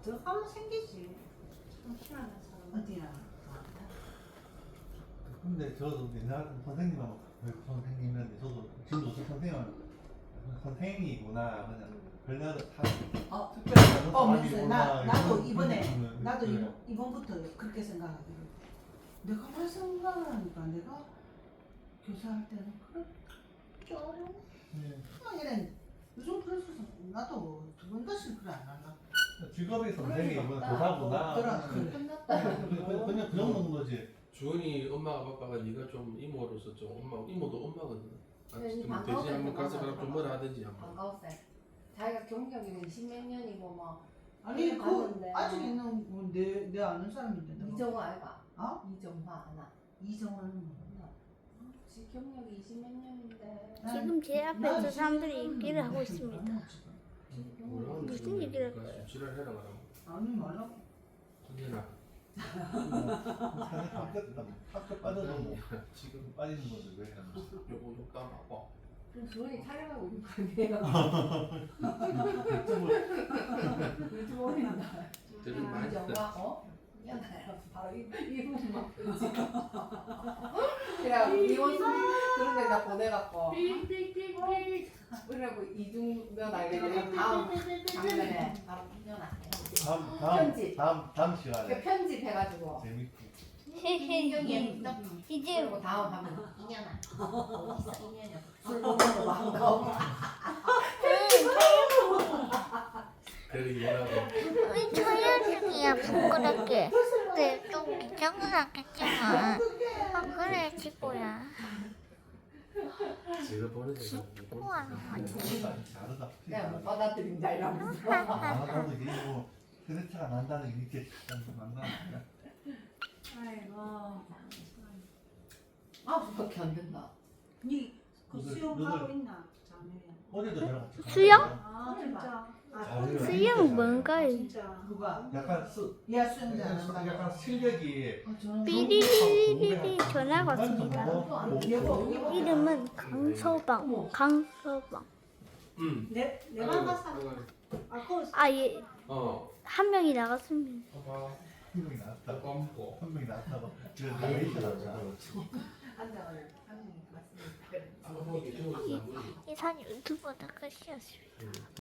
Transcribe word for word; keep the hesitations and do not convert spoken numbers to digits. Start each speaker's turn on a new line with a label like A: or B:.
A: 더 하면 생기지. 참 희한한 사람.
B: 어디야?
C: 근데 저도 옛날 선생님하고 선생님인데 저도 지금도 저 선생님은 선생님이구나 그냥 별나도 다
B: 어,
C: 특별히 다른
B: 어,
C: 사람이구나
B: 민수, 나 나도
C: 이런
B: 이번에
C: 느낌은
B: 나도
C: 그래요.
B: 이번, 이번부터 그렇게 생각하기로. 내가 왜 생각하니까 내가 교사할 때는 그렇게 어려워.
C: 네.
B: 이래 요즘 그래서 나도 두 번 다시 그래 안 할라.
C: 직업이
A: 그럴
C: 선생님은
A: 리가
C: 교사구나
B: 없다.
C: 그냥
B: 그래.
A: 끝났다.
C: 그냥 그냥 그 정도는 거지.
D: 주은이 엄마가 바빠가 네가 좀 이모로서 좀 엄마 이모도 엄마거든. 아,
E: 네,
D: 좀
E: 반가울
D: 대신 한번
E: 때도
D: 가서 그럼
E: 만나서
D: 좀 뭐라 하든지 한번.
E: 반가웠어요. 자기가 경력이 이십몇 년이고 뭐
B: 아니
E: 그래,
B: 그
E: 봤는데.
B: 아직 있는 뭐 내 내 아는 사람인데 내가.
E: 이정화 알바.
B: 어?
E: 이정화 아나.
B: 이정환은 뭐.
E: 지 경력이 이십몇 년인데.
F: 지금 제 앞에서 사람들이 얘기를 하고 있습니다.
D: 뭐라
F: 무슨 얘기를
D: 할까요? 지랄해라 그러면.
B: 아니 말라고.
D: 언제나.
C: 사실 학교 학교 빠져도 뭐
D: 지금
C: 빠지는 건데 왜 하는
D: 요거 욕도 안 받고.
E: 그럼 주원이 촬영하고 있는 거 아니에요? 요즘 어린다.
D: 들은 많이
E: 이정화 어? 미안해요. 바로 이 이분만 끊지. 그래 이혼 그런 데다 보내갖고. 그래고 이중면 알게 다음 장면에 바로 인연할게요.
C: 다음 다음
E: 편집.
C: 다음 다음 시간에
E: 편집해가지고
C: 재밌고
E: 인경이
F: 이제
E: 그리고 다음 하면 인연아 어디 있어 인연이 술 먹는 거 반가워.
D: 그래 이해하고.
F: 우리 촬영 중이야 부끄럽게. 근데 좀 긴장하겠지만. 아 그래 지구야.
D: 제가 보는 데가
F: 우와.
C: 다르다.
E: 그냥 못 받아들인다 이러면서.
C: 나도 이게 뭐 세대차가 난다는 게 이렇게 난다니까.
A: 아이고.
E: 아 그렇게 안 된다.
A: 니그
C: 누굴-
A: 수영하고
C: 누굴-
A: 있나? 자매야.
C: 어제도 저랑 같이
F: 수영?
A: 아 진짜. 아,
C: 잘해요.
F: 수영 뭔가요?
A: 진짜.
B: 누가?
C: 약간 수
B: 야 수영장 안
C: 약간,
B: 한다.
C: 약간 실력이
B: 어, 저는
F: 삐리리리리 전화가 왔습니다.
B: 여보,
F: 이름은 강서방. 강서방.
D: 응.
A: 내 내가 가서 아 그.
F: 아 예.
D: 어.
F: 한 명이 나갔습니다.
D: 봐봐.
C: 한 명이 나왔다고
D: 껌고.
C: 한 명이 나왔다고 그래서 내가 있더라고.
E: 앉아 오늘 한 명이 맞습니다.
D: 한번 이쪽으로 나무지.
F: 이 산 유튜버다 끝이었습니다.